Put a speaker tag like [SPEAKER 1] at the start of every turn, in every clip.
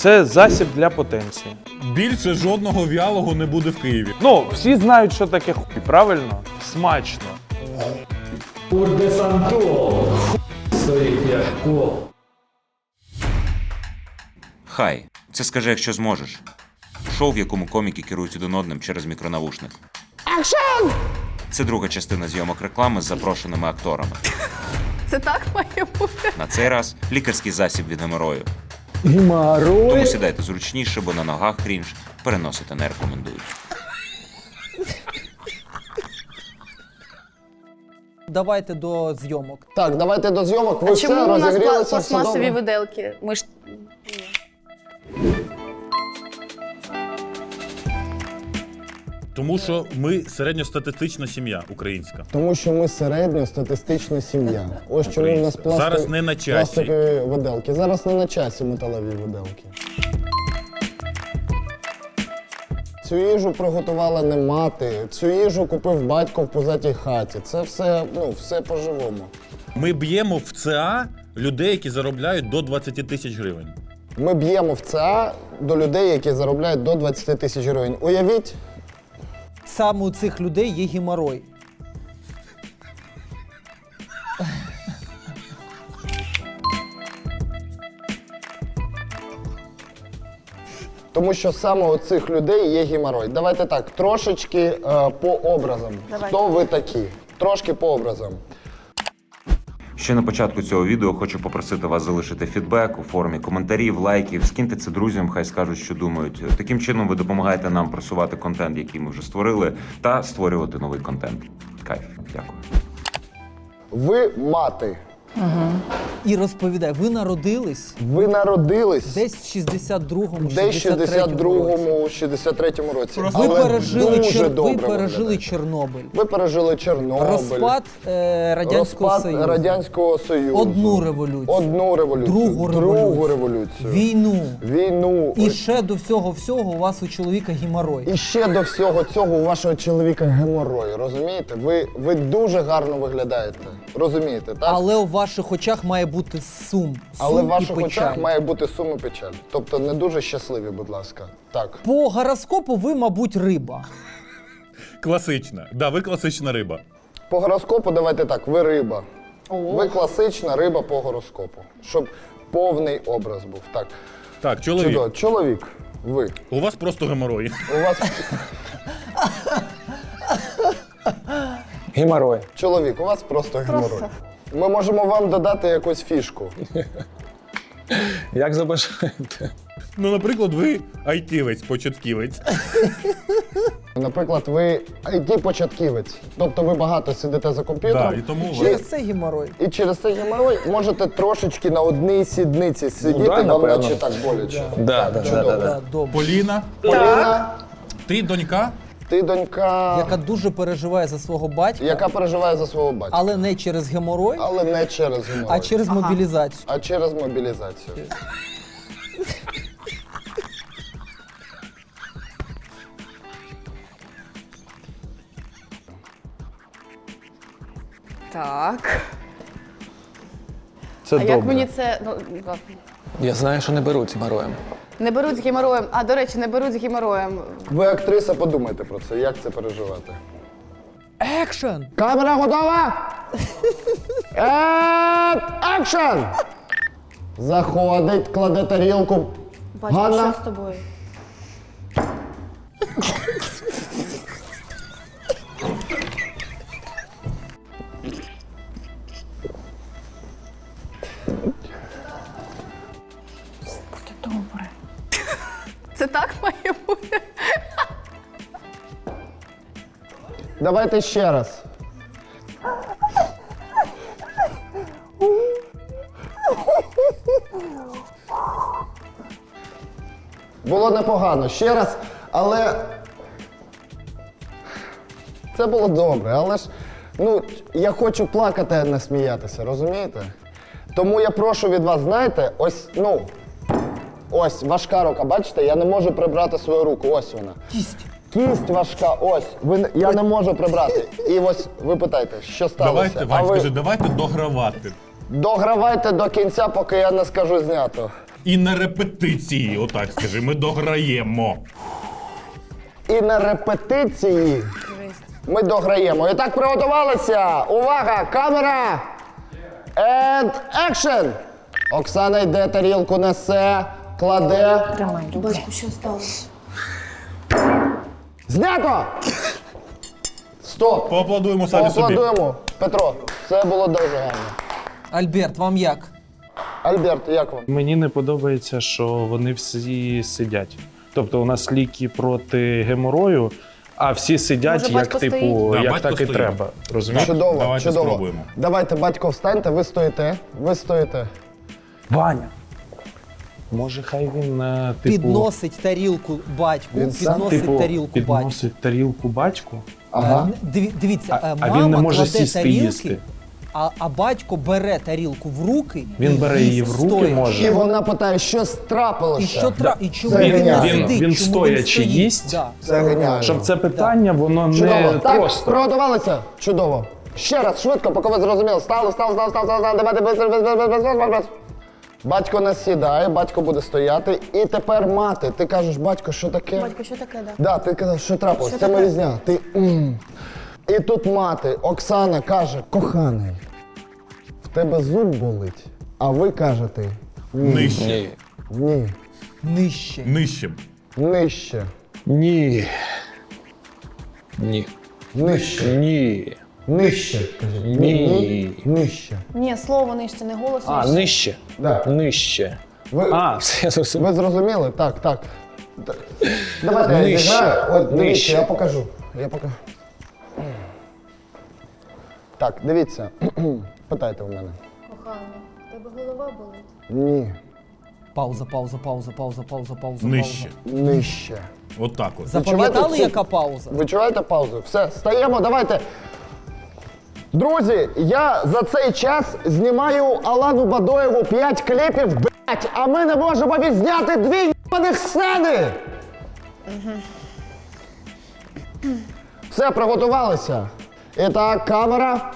[SPEAKER 1] Це засіб для потенції.
[SPEAKER 2] Більше жодного в'ялого не буде в Києві.
[SPEAKER 1] Ну, всі знають, що таке хуй, правильно? Смачно.
[SPEAKER 3] Урдесантол. Стоїть як кол.
[SPEAKER 4] Хай. Це скажи, якщо зможеш. Шоу, в якому коміки керують один одним через мікронавушник. Акшн! Це друга частина зйомок реклами з запрошеними акторами.
[SPEAKER 5] Це так має бути?
[SPEAKER 4] На цей раз лікарський засіб від геморою.
[SPEAKER 3] Геморой.
[SPEAKER 4] Тому сідайте зручніше, бо на ногах крінж переносити не рекомендують.
[SPEAKER 6] Давайте до зйомок.
[SPEAKER 7] Так, давайте до зйомок. Ви
[SPEAKER 5] А
[SPEAKER 7] все
[SPEAKER 5] чому у нас
[SPEAKER 7] розігрілися, все
[SPEAKER 5] пластмасові
[SPEAKER 7] добре?
[SPEAKER 5] виделки? Ми ж...
[SPEAKER 2] Тому що ми середньостатистична сім'я українська.
[SPEAKER 7] Тому що ми середньостатистична сім'я. Ось чому в нас
[SPEAKER 2] Зараз не на часі.
[SPEAKER 7] пластикові виделки. Зараз не на часі металеві виделки. Цю їжу приготувала не мати, цю їжу купив батько в позатій хаті. Це все, все по-живому.
[SPEAKER 2] Ми б'ємо в ЦА людей, які заробляють до 20 тисяч гривень.
[SPEAKER 7] Ми б'ємо в ЦА до людей, які заробляють до 20 тисяч гривень. Уявіть,
[SPEAKER 6] Саме у цих людей є геморой.
[SPEAKER 7] тому що саме у цих людей є геморой. Давайте так, трошечки по образам.
[SPEAKER 5] Давай.
[SPEAKER 7] Хто ви такі? Трошки по образам.
[SPEAKER 4] Ще на початку цього відео хочу попросити вас залишити фідбек у формі коментарів, лайків, скиньте це друзям, хай скажуть, що думають. Таким чином ви допомагаєте нам просувати контент, який ми вже створили, та створювати новий контент. Кайф. Дякую.
[SPEAKER 7] Ви мати.
[SPEAKER 6] І розповідай, ви народились
[SPEAKER 7] Ви народились
[SPEAKER 6] десь в 62-му,
[SPEAKER 7] десь 62-му, 63-му році.
[SPEAKER 6] Ви
[SPEAKER 7] Але
[SPEAKER 6] пережили,
[SPEAKER 7] дуже
[SPEAKER 6] ви
[SPEAKER 7] добре
[SPEAKER 6] пережили
[SPEAKER 7] виглядаєте.
[SPEAKER 6] Чорнобиль.
[SPEAKER 7] Ви пережили Чорнобиль.
[SPEAKER 6] Розпад Радянського Союзу.
[SPEAKER 7] Радянського Союзу.
[SPEAKER 6] Одну революцію.
[SPEAKER 7] Одну революцію.
[SPEAKER 6] Другу
[SPEAKER 7] революцію.
[SPEAKER 6] Війну.
[SPEAKER 7] Війну.
[SPEAKER 6] І ще до всього у вас у чоловіка геморой.
[SPEAKER 7] І ще до всього цього у вашого чоловіка геморой, розумієте? Ви дуже гарно виглядаєте, розумієте, так?
[SPEAKER 6] Але у ваших очах має бути сум.
[SPEAKER 7] Але в
[SPEAKER 6] і
[SPEAKER 7] ваших
[SPEAKER 6] печаль.
[SPEAKER 7] очах має бути сум і печаль. Тобто не дуже щасливі, будь ласка. Так.
[SPEAKER 6] По гороскопу ви, мабуть, риба.
[SPEAKER 2] Класична. Да, ви класична риба.
[SPEAKER 7] По гороскопу давайте так, ви риба. Ви класична риба по гороскопу. Щоб повний образ був. Так.
[SPEAKER 2] Так, чоловік.
[SPEAKER 7] Чудово. Чоловік, ви.
[SPEAKER 2] У вас просто геморої.
[SPEAKER 7] У вас
[SPEAKER 3] Геморой.
[SPEAKER 7] чоловік, у вас просто геморой. Ми можемо вам додати якусь фішку.
[SPEAKER 3] Як забажаєте.
[SPEAKER 2] Ну, наприклад, ви айтівець, початківець.
[SPEAKER 7] Наприклад, ви IT-початківець. Тобто ви багато сидите за комп'ютером.
[SPEAKER 2] Да, і тому у вас
[SPEAKER 6] Через це геморой.
[SPEAKER 7] І через цей геморой можете трошечки на одній сідниці сидіти,
[SPEAKER 3] да,
[SPEAKER 7] вам
[SPEAKER 3] напевно.
[SPEAKER 7] наче так боляче.
[SPEAKER 3] Да.
[SPEAKER 6] Да, добре.
[SPEAKER 2] Поліна,
[SPEAKER 7] Поліна,
[SPEAKER 2] ти донька?
[SPEAKER 7] ти донька,
[SPEAKER 6] Яка дуже переживає за свого батька,
[SPEAKER 7] яка переживає за свого батька.
[SPEAKER 6] але не через геморой,
[SPEAKER 7] Але не через геморой,
[SPEAKER 6] а через мобілізацію.
[SPEAKER 7] а через мобілізацію.
[SPEAKER 5] Так.
[SPEAKER 1] Це
[SPEAKER 5] А
[SPEAKER 1] добре.
[SPEAKER 5] як мені це... Ну, ладно.
[SPEAKER 3] Я знаю, що не беруть з гемороєм.
[SPEAKER 5] Не беруть з геморроєм. А, до речі, не беруть з геморроєм.
[SPEAKER 7] Ви актриса, подумайте про це, як це переживати.
[SPEAKER 6] Екшен!
[SPEAKER 7] Камера готова? Екшен! Заходить, кладе тарілку.
[SPEAKER 5] Бачиш,
[SPEAKER 7] Ганна?
[SPEAKER 5] що з тобою? Буде добре. Це так має бути?
[SPEAKER 7] Давайте ще раз. Було непогано, ще раз, але це було добре, але ж я хочу плакати, а не сміятися, розумієте? Тому я прошу від вас, знаєте, ось важка рука, бачите, я не можу прибрати свою руку, ось вона.
[SPEAKER 6] Кість!
[SPEAKER 7] Кість важка, ось, я не можу прибрати. І ось ви питаєте, що сталося?
[SPEAKER 2] Давайте, Вань, скажи, давайте догравати.
[SPEAKER 7] Догравайте до кінця, поки я не скажу знято.
[SPEAKER 2] І на репетиції, отак скажи, ми дограємо.
[SPEAKER 7] І на репетиції ми дограємо. І так, приготувалися. Увага, камера! And action! Оксана йде, тарілку несе, кладе.
[SPEAKER 5] Батько, що сталося?
[SPEAKER 7] Знято! Стоп!
[SPEAKER 2] Поаплодуємо самі собі.
[SPEAKER 7] Поаплодуємо. Петро, це було дуже гарно.
[SPEAKER 6] Альберт, вам як?
[SPEAKER 7] Альберт, як вам?
[SPEAKER 1] Мені не подобається, що вони всі сидять. Тобто у нас ліки проти геморою, а всі сидять,
[SPEAKER 5] Може,
[SPEAKER 1] як
[SPEAKER 5] батько
[SPEAKER 1] типу,
[SPEAKER 5] стоїть?
[SPEAKER 2] Да,
[SPEAKER 1] як
[SPEAKER 2] батько
[SPEAKER 1] так і
[SPEAKER 2] стоїть.
[SPEAKER 1] треба. Розумієш?
[SPEAKER 7] Чудово,
[SPEAKER 2] Давайте
[SPEAKER 7] чудово.
[SPEAKER 2] спробуємо.
[SPEAKER 7] Давайте, батько, встаньте, ви стоїте. Ви стоїте.
[SPEAKER 1] Ваня. Може, хай він типу,
[SPEAKER 6] Підносить тарілку батьку,
[SPEAKER 7] Він сам,
[SPEAKER 6] підносить
[SPEAKER 1] типу,
[SPEAKER 6] тарілку батьку.
[SPEAKER 1] підносить тарілку батьку,
[SPEAKER 7] Ага.
[SPEAKER 6] Дивіться,
[SPEAKER 1] а
[SPEAKER 6] мама
[SPEAKER 1] він не може
[SPEAKER 6] кладе
[SPEAKER 1] сісти
[SPEAKER 6] тарілки,
[SPEAKER 1] їсти.
[SPEAKER 6] а батько бере тарілку в руки.
[SPEAKER 1] Він
[SPEAKER 6] і
[SPEAKER 1] бере
[SPEAKER 6] їсть
[SPEAKER 1] її в руки,
[SPEAKER 6] стоячи.
[SPEAKER 1] може.
[SPEAKER 7] І вона питає, що трапилося.
[SPEAKER 6] І що і чому
[SPEAKER 7] Це
[SPEAKER 6] він не
[SPEAKER 7] геніально.
[SPEAKER 6] сидить?
[SPEAKER 1] Він
[SPEAKER 6] чому
[SPEAKER 1] стоячи
[SPEAKER 6] стоїть?
[SPEAKER 1] їсть?
[SPEAKER 6] Да.
[SPEAKER 7] Це геніально.
[SPEAKER 1] Щоб це питання, воно
[SPEAKER 7] Чудово.
[SPEAKER 1] не
[SPEAKER 7] Так,
[SPEAKER 1] просто.
[SPEAKER 7] приготувалися? Чудово. Ще раз, швидко, поки ви зрозуміли. Стали. Давайте, без. Батько не сідає, батько буде стояти. І тепер мати. Ти кажеш, батько, що таке?
[SPEAKER 5] Батько, що таке, да?
[SPEAKER 7] Да, ти казав, що трапилось,
[SPEAKER 5] Що
[SPEAKER 7] це
[SPEAKER 5] таке?
[SPEAKER 7] різня. Ти І тут мати, Оксана, каже, коханий, в тебе зуб болить, а ви кажете
[SPEAKER 2] Нижче.
[SPEAKER 7] ні,
[SPEAKER 6] Нижче.
[SPEAKER 2] Нижче.
[SPEAKER 7] нижче,
[SPEAKER 3] Ні. Ні.
[SPEAKER 7] нижче,
[SPEAKER 3] Ні.
[SPEAKER 7] нижче. Кажіть.
[SPEAKER 3] Ні.
[SPEAKER 7] Нижче.
[SPEAKER 5] Ні, слово нижче, не голос
[SPEAKER 3] А,
[SPEAKER 5] нижче.
[SPEAKER 3] нижче.
[SPEAKER 7] Да.
[SPEAKER 3] Нижче.
[SPEAKER 7] Ви,
[SPEAKER 3] А, все, я зрозумів.
[SPEAKER 7] ви зрозуміли? Так. Давайте я
[SPEAKER 3] Нижче.
[SPEAKER 7] зіграю. От, дивіться,
[SPEAKER 3] Нижче.
[SPEAKER 7] я покажу. Так, дивіться. Питайте в мене.
[SPEAKER 5] Коханий, тебе голова болить?
[SPEAKER 7] Ні,
[SPEAKER 6] Пауза.
[SPEAKER 2] Нижче.
[SPEAKER 7] нижче.
[SPEAKER 2] Отак от.
[SPEAKER 6] Запам'ятали,
[SPEAKER 7] цю-
[SPEAKER 6] яка пауза?
[SPEAKER 7] Ви чуєте паузу? Все, стаємо, давайте. Друзі, я за цей час знімаю Алану Бадоєву 5 кліпів, блять, а ми не можемо відзняти 2 єбаних сцени! Все, приготувалися. І так, камера.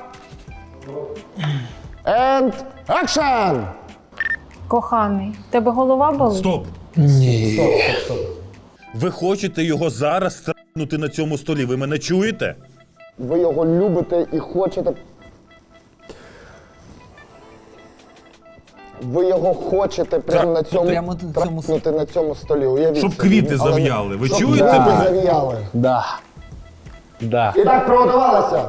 [SPEAKER 7] And action!
[SPEAKER 8] Коханий, тебе голова болить?
[SPEAKER 2] Стоп.
[SPEAKER 7] Стоп.
[SPEAKER 2] Ви хочете його зараз страпнути на цьому столі? Ви мене чуєте?
[SPEAKER 7] Ви його любите і хочете. Ви його хочете прямо на цьому,
[SPEAKER 6] прямо на цьому
[SPEAKER 7] трапнути на цьому столі. Уявіть
[SPEAKER 2] Щоб
[SPEAKER 7] собі.
[SPEAKER 2] квіти
[SPEAKER 7] Але-
[SPEAKER 2] зав'яли. Ви
[SPEAKER 7] щоб
[SPEAKER 2] чуєте
[SPEAKER 7] квіти
[SPEAKER 2] мене?
[SPEAKER 7] зав'яли.
[SPEAKER 3] Да. Да.
[SPEAKER 7] І так приготувалися.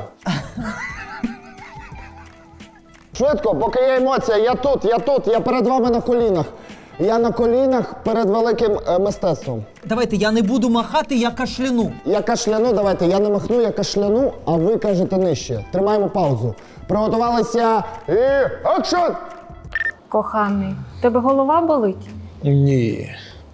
[SPEAKER 7] Швидко, поки є емоція, я перед вами на колінах. Я на колінах перед великим мистецтвом.
[SPEAKER 6] Давайте, я не буду махати, я кашляну.
[SPEAKER 7] Я кашляну, давайте, я не махну, я кашляну, а ви кажете нижче. Тримаємо паузу. Приготувалися і акшн!
[SPEAKER 8] Коханий, тебе голова болить?
[SPEAKER 3] Ні.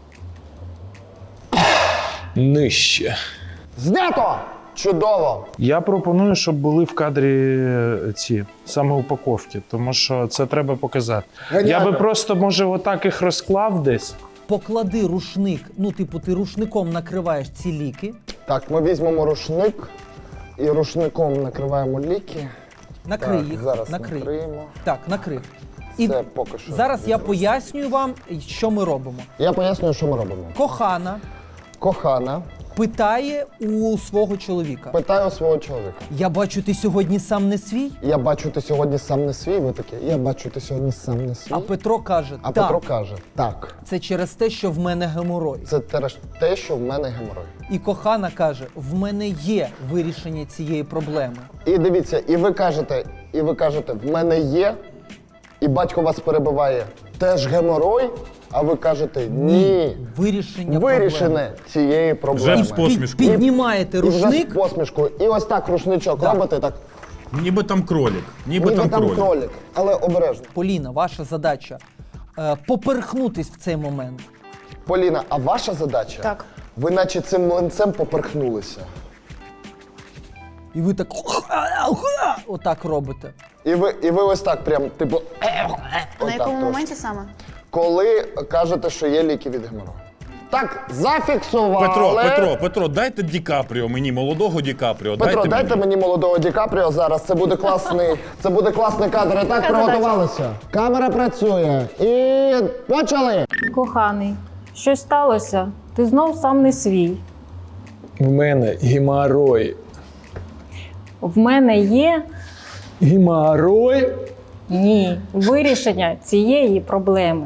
[SPEAKER 3] Нижче.
[SPEAKER 7] Знято! Чудово!
[SPEAKER 1] Я пропоную, щоб були в кадрі ці саме упаковки, тому що це треба показати.
[SPEAKER 7] Геніально.
[SPEAKER 1] Я би просто, може, отак їх розклав десь.
[SPEAKER 6] Поклади рушник, ти рушником накриваєш ці ліки.
[SPEAKER 7] Так, ми візьмемо рушник і рушником накриваємо ліки.
[SPEAKER 6] Накрий
[SPEAKER 7] Так,
[SPEAKER 6] їх.
[SPEAKER 7] зараз
[SPEAKER 6] накрий.
[SPEAKER 7] накриємо.
[SPEAKER 6] Так, накрив.
[SPEAKER 7] Це поки що.
[SPEAKER 6] Зараз я пояснюю вам, що ми робимо.
[SPEAKER 7] Я пояснюю, що ми робимо.
[SPEAKER 6] Кохана
[SPEAKER 7] Кохана
[SPEAKER 6] питає у свого чоловіка.
[SPEAKER 7] питає у свого чоловіка.
[SPEAKER 6] Я бачу, ти сьогодні сам не свій?
[SPEAKER 7] Я бачу, ти сьогодні сам не свій. Ви такі, я бачу, ти сьогодні сам не свій.
[SPEAKER 6] А Петро каже,
[SPEAKER 7] А
[SPEAKER 6] так,
[SPEAKER 7] Петро каже, так,
[SPEAKER 6] це через те, що в мене геморой.
[SPEAKER 7] це те, що в мене геморой.
[SPEAKER 6] І кохана каже, в мене є вирішення цієї проблеми.
[SPEAKER 7] І дивіться, і ви кажете, в мене є, і батько вас перебиває, теж геморой, а ви кажете, ні.
[SPEAKER 6] Вирішення
[SPEAKER 7] Вирішене цієї проблеми.
[SPEAKER 2] Вже з посмішкою.
[SPEAKER 6] Піднімаєте
[SPEAKER 7] І вже з
[SPEAKER 6] рушник,
[SPEAKER 7] посмішкою. І ось так рушничок робите, так,
[SPEAKER 2] Ніби там кролік. Ніби
[SPEAKER 7] ніби
[SPEAKER 2] там
[SPEAKER 7] там
[SPEAKER 2] кролік.
[SPEAKER 7] кролик, але обережно.
[SPEAKER 6] Поліна, ваша задача поперхнутись в цей момент.
[SPEAKER 7] Поліна, а ваша задача?
[SPEAKER 5] Так.
[SPEAKER 7] Ви наче цим млинцем поперхнулися.
[SPEAKER 6] І ви так отак робите.
[SPEAKER 7] І ви ось так прям, типу,
[SPEAKER 5] На
[SPEAKER 7] отак
[SPEAKER 5] якому
[SPEAKER 7] трошки.
[SPEAKER 5] моменті саме?
[SPEAKER 7] Коли кажете, що є ліки від геморою. Так, зафіксували.
[SPEAKER 2] Петро, дайте Ді Капріо мені, молодого Ді Капріо.
[SPEAKER 7] Петро, дайте мені молодого Ді Капріо зараз. Це буде класний кадр. І так, приготувалися. Камера працює. І почали.
[SPEAKER 8] Коханий, щось сталося? Ти знов сам не свій.
[SPEAKER 3] В мене геморой.
[SPEAKER 8] В мене є
[SPEAKER 3] Геморой?
[SPEAKER 8] ні вирішення цієї проблеми.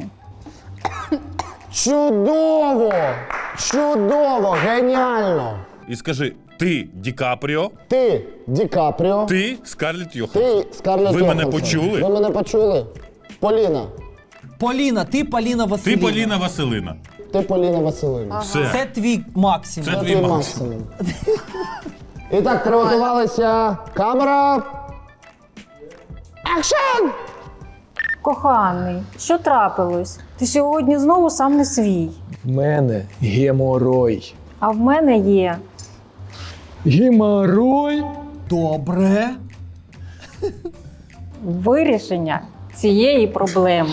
[SPEAKER 7] Чудово! Чудово! Геніально!
[SPEAKER 2] І скажи, ти Ді Капріо,
[SPEAKER 7] Ти Ді Капріо.
[SPEAKER 2] ти Скарлетт Йоханссон.
[SPEAKER 7] Ти Скарлетт
[SPEAKER 2] Ви мене
[SPEAKER 7] Йоханссон.
[SPEAKER 2] почули?
[SPEAKER 7] Ви мене почули? Поліна.
[SPEAKER 6] Поліна, ти Поліна
[SPEAKER 2] Ти
[SPEAKER 6] Василівна.
[SPEAKER 2] Поліна Василина.
[SPEAKER 7] Ти Поліна Василівна.
[SPEAKER 2] Все.
[SPEAKER 6] Це твій максимум.
[SPEAKER 2] Це
[SPEAKER 7] Це
[SPEAKER 2] твій
[SPEAKER 7] твій
[SPEAKER 2] максимум.
[SPEAKER 7] максимум. І так, приготувалися. Камера. Акшн!
[SPEAKER 8] Коханий, що трапилось? Ти сьогодні знову сам не свій.
[SPEAKER 3] В мене геморой.
[SPEAKER 8] А в мене є
[SPEAKER 3] Геморой?
[SPEAKER 6] Добре.
[SPEAKER 8] вирішення цієї проблеми.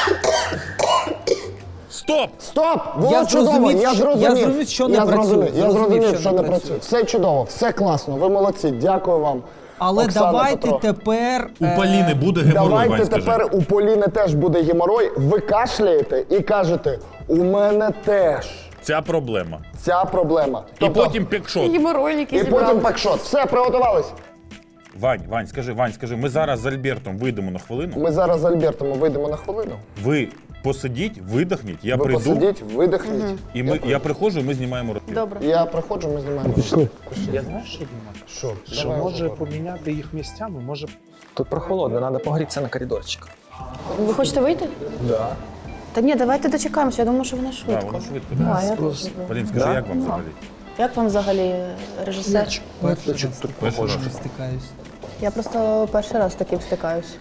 [SPEAKER 2] Стоп!
[SPEAKER 7] Стоп! Було
[SPEAKER 6] Я
[SPEAKER 7] чудово,
[SPEAKER 6] зрозумів,
[SPEAKER 7] я
[SPEAKER 6] що-
[SPEAKER 7] зрозумів.
[SPEAKER 6] я зрозумів, що не працює.
[SPEAKER 7] Я зрозумів, що не
[SPEAKER 6] працює.
[SPEAKER 7] працює. Все чудово, все класно, ви молодці, дякую вам.
[SPEAKER 6] Але
[SPEAKER 7] Оксана,
[SPEAKER 6] давайте
[SPEAKER 7] Петро.
[SPEAKER 6] тепер...
[SPEAKER 2] У Поліни буде геморой,
[SPEAKER 7] Давайте
[SPEAKER 2] Вань, скажи.
[SPEAKER 7] тепер у Поліни теж буде геморой. Ви кашляєте і кажете, у мене теж
[SPEAKER 2] Ця проблема.
[SPEAKER 7] ця проблема.
[SPEAKER 2] І потім пікшот.
[SPEAKER 7] і потім пакшот. Все, приготувались.
[SPEAKER 2] Вань, скажи, ми зараз з Альбертом вийдемо на хвилину.
[SPEAKER 7] Ми зараз з Альбертом вийдемо на хвилину.
[SPEAKER 2] Ви посидіть, видихніть, я
[SPEAKER 7] Ви
[SPEAKER 2] прийду,
[SPEAKER 7] посидіть, видихніть.
[SPEAKER 2] і я приходжу, і ми знімаємо розмір.
[SPEAKER 5] Добре.
[SPEAKER 7] Я приходжу, ми знімаємо.
[SPEAKER 3] Пішли.
[SPEAKER 1] Я знаю, що думаю?
[SPEAKER 7] Що?
[SPEAKER 1] Що
[SPEAKER 7] Давай,
[SPEAKER 1] може
[SPEAKER 7] говори.
[SPEAKER 1] поміняти їх місцями, може.
[SPEAKER 3] Тут прохолодно, треба погрітися на коридорчик.
[SPEAKER 5] Ви хочете вийти?
[SPEAKER 3] Да.
[SPEAKER 5] Та ні, давайте дочекаємося. Я думаю, що вона
[SPEAKER 2] Так,
[SPEAKER 5] швидко.
[SPEAKER 2] воно швидко.
[SPEAKER 5] Да,
[SPEAKER 2] Да.
[SPEAKER 5] я теж.
[SPEAKER 2] Полін, скажи, як вам взагалі?
[SPEAKER 5] Як вам взагалі режисер?
[SPEAKER 6] Перший раз
[SPEAKER 2] Перший раз.
[SPEAKER 6] не стикаюсь.
[SPEAKER 5] Я просто перший раз з таким стикаюсь.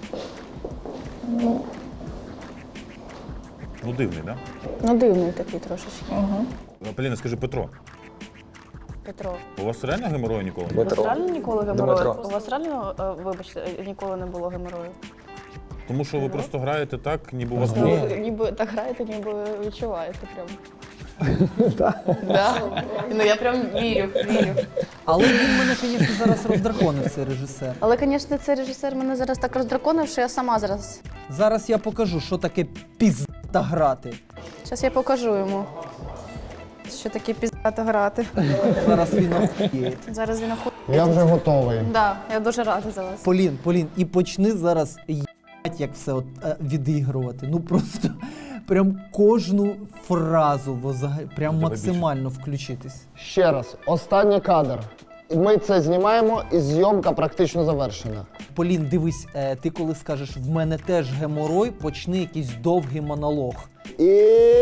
[SPEAKER 2] Ну дивний, так?
[SPEAKER 5] Ну, дивний такий трошечки.
[SPEAKER 2] Да? Поліна, скажи, Петро,
[SPEAKER 5] Петро.
[SPEAKER 2] у вас реально геморою ніколи?
[SPEAKER 5] У вас реально ніколи
[SPEAKER 3] Дмитро.
[SPEAKER 5] геморою? У вас реально, вибачте, ніколи не було геморою?
[SPEAKER 2] Тому що ви просто граєте так, ніби у вас
[SPEAKER 5] Ну,
[SPEAKER 2] було.
[SPEAKER 5] ви ніби так граєте, ніби відчуваєте прям. Да. Ну я прям вірю.
[SPEAKER 6] Але він мене, звісно, зараз роздраконив, цей режисер.
[SPEAKER 5] Але, звісно, цей режисер мене зараз так роздраконив, що я сама зараз.
[SPEAKER 6] Зараз я покажу, що таке пізда грати.
[SPEAKER 5] Зараз я покажу йому, що таке піздато грати.
[SPEAKER 6] Зараз він охуєє.
[SPEAKER 5] Зараз він охує.
[SPEAKER 7] Я вже готовий.
[SPEAKER 5] Да, я дуже рада за вас.
[SPEAKER 6] Полін, і почни зараз їбать, як все от, відігрувати. Ну просто прям кожну фразу прям максимально включитись.
[SPEAKER 7] Ще раз, останній кадр. Ми це знімаємо і зйомка практично завершена.
[SPEAKER 6] Полін, дивись, ти коли скажеш в мене теж геморой, почни якийсь довгий монолог.
[SPEAKER 7] І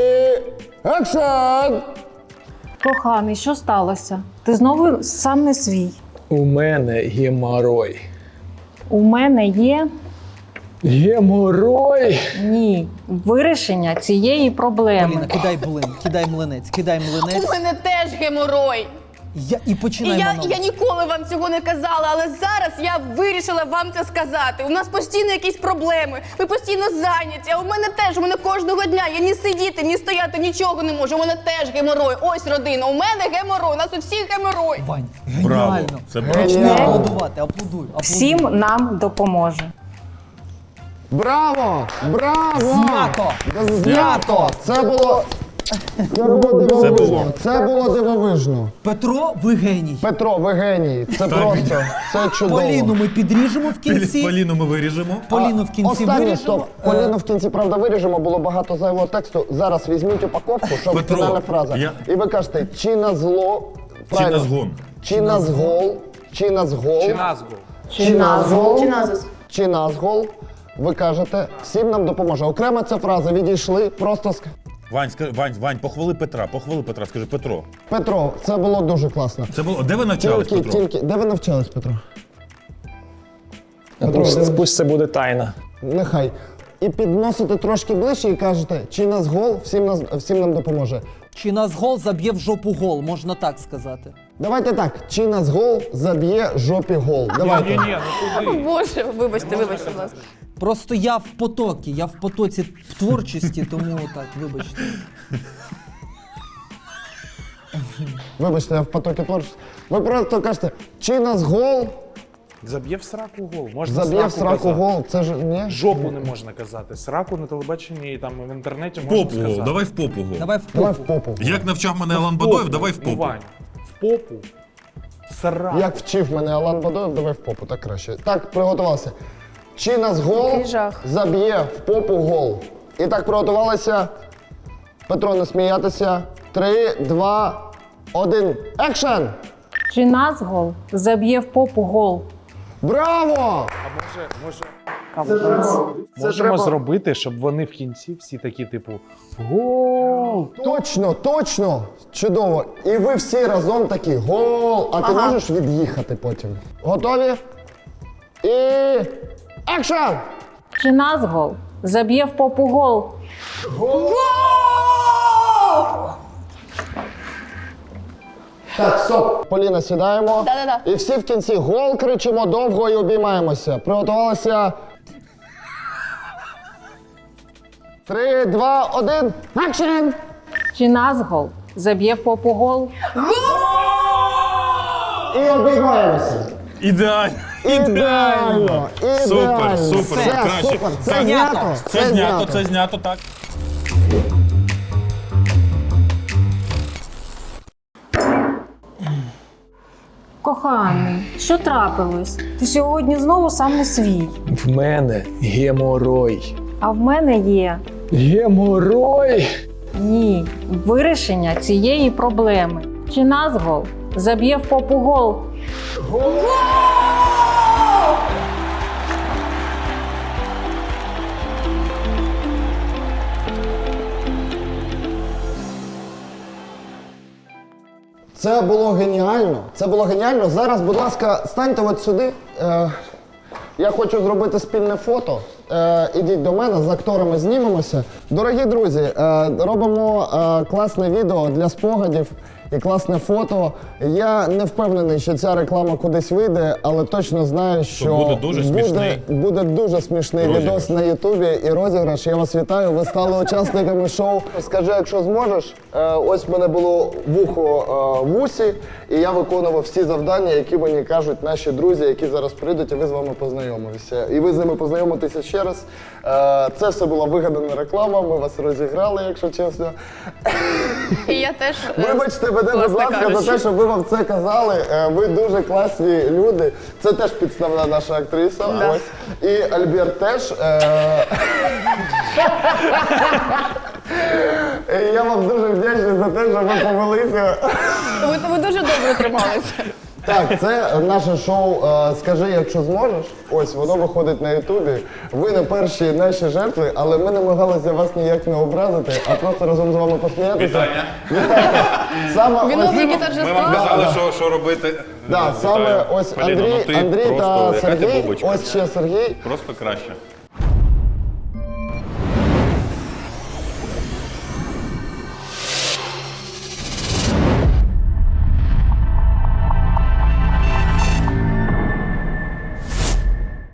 [SPEAKER 7] екшен!
[SPEAKER 8] Коханий, що сталося? Ти знову сам не свій.
[SPEAKER 3] У мене геморой.
[SPEAKER 8] У мене є
[SPEAKER 3] Геморой?
[SPEAKER 8] ні вирішення цієї проблеми.
[SPEAKER 6] Поліна, кидай млинець.
[SPEAKER 9] У мене теж геморой.
[SPEAKER 6] І починай монолог.
[SPEAKER 9] Я ніколи вам цього не казала, але зараз я вирішила вам це сказати. У нас постійно якісь проблеми, ми постійно зайняті, а у мене кожного дня, я ні сидіти, ні стояти, нічого не можу, у мене теж геморой. Ось родина, у мене геморой, у нас у всіх геморой.
[SPEAKER 6] Вань,
[SPEAKER 2] Браво,
[SPEAKER 6] геніально.
[SPEAKER 2] це
[SPEAKER 6] Почни
[SPEAKER 7] браво.
[SPEAKER 6] аплодувати, аплодуй.
[SPEAKER 8] Всім нам допоможе.
[SPEAKER 7] Браво! Браво!
[SPEAKER 6] Знято!
[SPEAKER 7] Знято! Це було дивовижно. Це було дивовижно.
[SPEAKER 6] Петро, ви геній.
[SPEAKER 7] Петро, ви геній. Це просто, це чудово.
[SPEAKER 6] Поліну ми підріжемо в кінці.
[SPEAKER 2] Поліну ми виріжемо.
[SPEAKER 6] Поліну в кінці
[SPEAKER 7] Останнє,
[SPEAKER 6] виріжемо.
[SPEAKER 7] стоп. Поліну в кінці, правда, виріжемо, було багато зайвого тексту. Зараз візьміть упаковку, щоб
[SPEAKER 2] Петро,
[SPEAKER 7] фінальна фраза. І ви кажете, чи на зло...
[SPEAKER 2] Чи на згон?
[SPEAKER 7] Чи на згол, чи на згол,
[SPEAKER 1] Чи назву?
[SPEAKER 7] чи на згол,
[SPEAKER 5] Чи назус?
[SPEAKER 7] чи на згол. Ви кажете, всім нам допоможе. Окрема ця фраза, відійшли, просто...
[SPEAKER 2] Вань, похвали Петра, скажи, Петро.
[SPEAKER 7] Петро, це було дуже класно.
[SPEAKER 2] Це було, де ви навчались, Петро?
[SPEAKER 7] Де ви навчались, Петро?
[SPEAKER 3] Пусть це буде тайна.
[SPEAKER 7] Нехай. І підносите трошки ближче і кажете, чи нас гол, всім нам допоможе.
[SPEAKER 6] Чи нас гол заб'є в жопу гол, можна так сказати.
[SPEAKER 7] Давайте так, чи нас гол заб'є жопі гол. Давайте.
[SPEAKER 1] Ні, ну куди?
[SPEAKER 9] Боже, вибачте, будь ласка.
[SPEAKER 6] Просто я в потоці творчості, тому так, вибачте.
[SPEAKER 7] Вибачте, я в потокі творчості. Ви просто кажете, чи нас гол,
[SPEAKER 1] Заб'є в сраку гол. Можна
[SPEAKER 7] заб'є в сраку
[SPEAKER 1] казати.
[SPEAKER 7] гол. Це ж ні?
[SPEAKER 1] Жопу не можна казати. Сраку на телебаченні і там в інтернеті можна
[SPEAKER 2] Попу гол,
[SPEAKER 1] сказати.
[SPEAKER 2] давай в попу гол.
[SPEAKER 6] Давай в
[SPEAKER 7] Давай
[SPEAKER 6] попу.
[SPEAKER 7] в попу.
[SPEAKER 2] Як навчав мене Алан Бадоєв, давай в
[SPEAKER 1] Ну,
[SPEAKER 2] попу.
[SPEAKER 1] Вань, в попу. Сраку.
[SPEAKER 7] Як вчив мене Алан Бадоєв, давай в попу, так краще. Так, приготувалися. Чи нас гол
[SPEAKER 5] Який жах.
[SPEAKER 7] заб'є в попу гол. І так приготувалися. Петро, не сміятися. 3, 2, 1. Екшен!
[SPEAKER 8] Чи нас гол заб'є в попу гол?
[SPEAKER 7] Браво!
[SPEAKER 1] Можемо
[SPEAKER 7] треба-
[SPEAKER 1] зробити, щоб вони в кінці всі такі, типу, гол!
[SPEAKER 7] Точно, точно! Чудово! І ви всі разом такі гол! А ти можеш від'їхати потім. Готові? І. Екшен!
[SPEAKER 8] Чи нас гол заб'є в попу гол?
[SPEAKER 7] Так, стоп. Поліна, сідаємо.
[SPEAKER 9] Да-да-да.
[SPEAKER 7] І всі в кінці гол кричимо довго і обіймаємося. Приготувалися. 3, 2, 1. Екшен!
[SPEAKER 8] Чи нас гол заб'є в попу гол?
[SPEAKER 7] І обіймаємося.
[SPEAKER 2] Ідеально.
[SPEAKER 7] Ідеально!
[SPEAKER 2] Супер,
[SPEAKER 7] Ідеально!
[SPEAKER 2] супер,
[SPEAKER 7] Все,
[SPEAKER 2] краще.
[SPEAKER 7] супер. Це
[SPEAKER 2] Так.
[SPEAKER 7] знято.
[SPEAKER 2] Це знято, так.
[SPEAKER 8] Коханий, що трапилось? Ти сьогодні знову сам не свій.
[SPEAKER 3] В мене геморой.
[SPEAKER 8] А в мене є
[SPEAKER 3] Геморой!
[SPEAKER 8] ні вирішення цієї проблеми. Чи нас гол заб'є в попу гол?
[SPEAKER 7] Це було геніально. Це було геніально. Зараз, будь ласка, станьте от сюди. Я хочу зробити спільне фото. Ідіть до мене, з акторами знімемося. Дорогі друзі, робимо класне відео для спогадів і класне фото. Я не впевнений, що ця реклама кудись вийде, але точно знаю, що
[SPEAKER 2] буде дуже смішний.
[SPEAKER 7] буде дуже смішний
[SPEAKER 2] Розіграш.
[SPEAKER 7] відос на Ютубі і розіграш. Я вас вітаю. Ви стали учасниками шоу. Скажи, якщо зможеш. Ось в мене було вухо в усі, і я виконував всі завдання, які мені кажуть наші друзі, які зараз прийдуть, і ви з вами познайомилися. І ви з ними познайомитеся ще раз. Це все була вигадана реклама. Ми вас розіграли, якщо чесно.
[SPEAKER 9] І я теж.
[SPEAKER 7] Вибачте мене, будь
[SPEAKER 9] власне
[SPEAKER 7] ласка, за
[SPEAKER 9] кажучи.
[SPEAKER 7] те, що ви вам це казали. Ви дуже класні люди. Це теж підставна наша актриса.
[SPEAKER 9] Да.
[SPEAKER 7] Ось. І Альберт теж. І я вам дуже вдячний за те, що ви повелися.
[SPEAKER 9] Ви дуже добре трималися.
[SPEAKER 7] Так, це наше шоу «Скажи, якщо зможеш». Ось, воно виходить на Ютубі. Ви не перші наші жертви, але ми намагалися вас ніяк не образити, а просто разом з вами посміятися.
[SPEAKER 2] Вітання.
[SPEAKER 7] Саме
[SPEAKER 9] Виновники
[SPEAKER 7] ось,
[SPEAKER 9] торжества.
[SPEAKER 2] казали, що робити.
[SPEAKER 7] да, саме ось
[SPEAKER 2] Поліно,
[SPEAKER 7] Андрій,
[SPEAKER 2] ну ти
[SPEAKER 7] Андрій
[SPEAKER 2] просто,
[SPEAKER 7] та
[SPEAKER 2] яка ти
[SPEAKER 7] Сергій,
[SPEAKER 2] бубочка.
[SPEAKER 7] ось ще Сергій.
[SPEAKER 2] Просто краще.